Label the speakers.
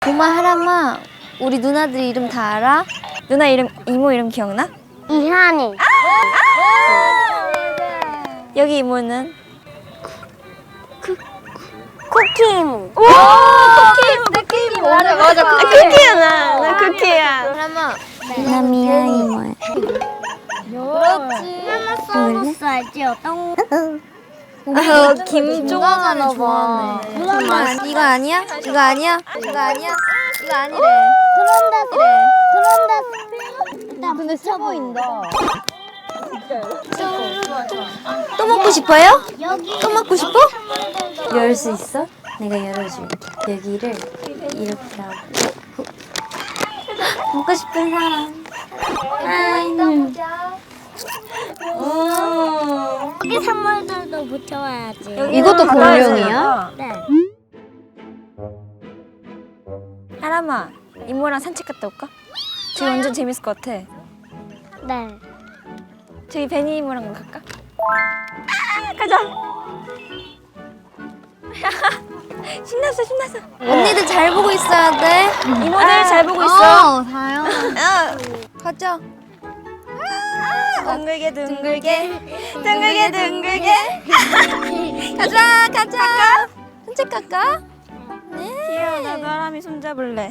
Speaker 1: 고마 하람아, 우리 누나들 이름 다 알아? 누나 이름, 이모 이름 기억나?
Speaker 2: 이한이.
Speaker 1: 여기 이모는?
Speaker 2: 쿠키 이모.
Speaker 1: 오! 쿠키 이모! 맞아. 쿠키야, 나 쿠키야. 하람아,
Speaker 2: 나 미아 이모야.
Speaker 1: 그렇지.
Speaker 2: 하나 써봤어 알지? 어떤
Speaker 1: 김종환을 좋아하네. 이거 아니야? 이거 아니야? 이거 아니야? 이거 아니래.
Speaker 2: 그런데
Speaker 1: 근데 세 보인다. 또 먹고 싶어요? 또 먹고 싶어? 열 수 있어? 내가 열어줄게. 여기를 이렇게 하고. 먹고 싶은 사람.
Speaker 2: 여기 선물들도 붙여와야지.
Speaker 1: 이것도 공룡이야?
Speaker 2: 네.
Speaker 1: 하람아, 이모랑 산책 갔다 올까? 저기 완전 재밌을 것 같아.
Speaker 2: 네.
Speaker 1: 저기 베니 이모랑 갈까? 가자. 신났어. 언니들 잘 보고 있어야 돼. 이모들 잘 보고 있어.
Speaker 2: 다요.
Speaker 1: 가자. 둥글게. 가자. 산책 갈까? 네. 귀여워. 나도 하람이 손잡을래.